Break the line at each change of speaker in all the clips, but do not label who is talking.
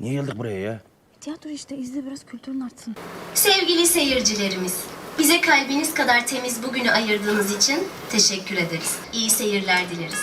Niye geldik buraya ya?
Tiyatro işte, izle biraz, kültürün artsın.
Sevgili seyircilerimiz, bize kalbiniz kadar temiz bugünü ayırdığınız için teşekkür ederiz. İyi seyirler dileriz.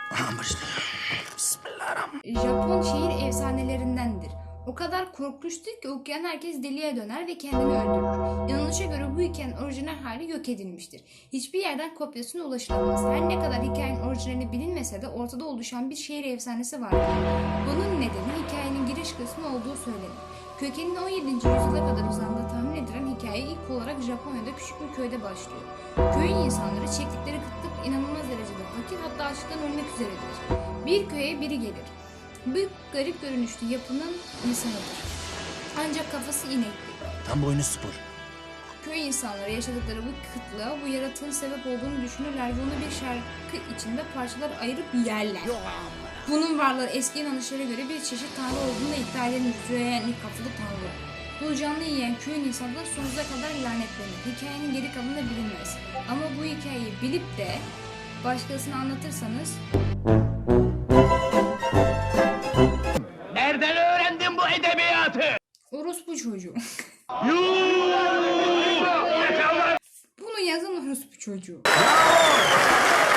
Japon şehir efsanelerindendir. O kadar korkunçtur ki okuyan herkes deliye döner ve kendini öldürür. İnanışa göre bu hikayenin orijinal hali yok edilmiştir. Hiçbir yerden kopyasına ulaşılamaz. Her ne kadar hikayenin orijinali bilinmese de ortada oluşan bir şehir efsanesi vardır. Bunun nedeni hikayenin giriş kısmı olduğu söylenir. Kökeninin 17. yüzyıla kadar uzandığı tahmin edilen hikaye ilk olarak Japonya'da küçük bir köyde başlıyor. Köyün insanları çektikleri kıtlık inanılmaz derecede fakir, hatta açlıktan ölmek üzeredir. Bir köye biri gelir. Bu garip görünüşlü yapının insanıdır. Ancak kafası inekli.
Tam boynu spor.
Köy insanları yaşadıkları bu kıtlığa bu yaratığın sebep olduğunu düşünürler ve onu bir şarkı içinde parçalar ayırıp yerler. Bunun varlığı eski inanışlara göre bir çeşit tanrı olduğunu da iddia eden Züeyyenli kafalı tanrı. Bu canlı yiyen köyün insanları sonsuza kadar lanetlenir. Hikayenin geri kalanı da bilinmez. Ama bu hikayeyi bilip de başkasına anlatırsanız...
Nereden öğrendin bu edebiyatı?
Orospu çocuğu. Bunu yazan orospu çocuğu.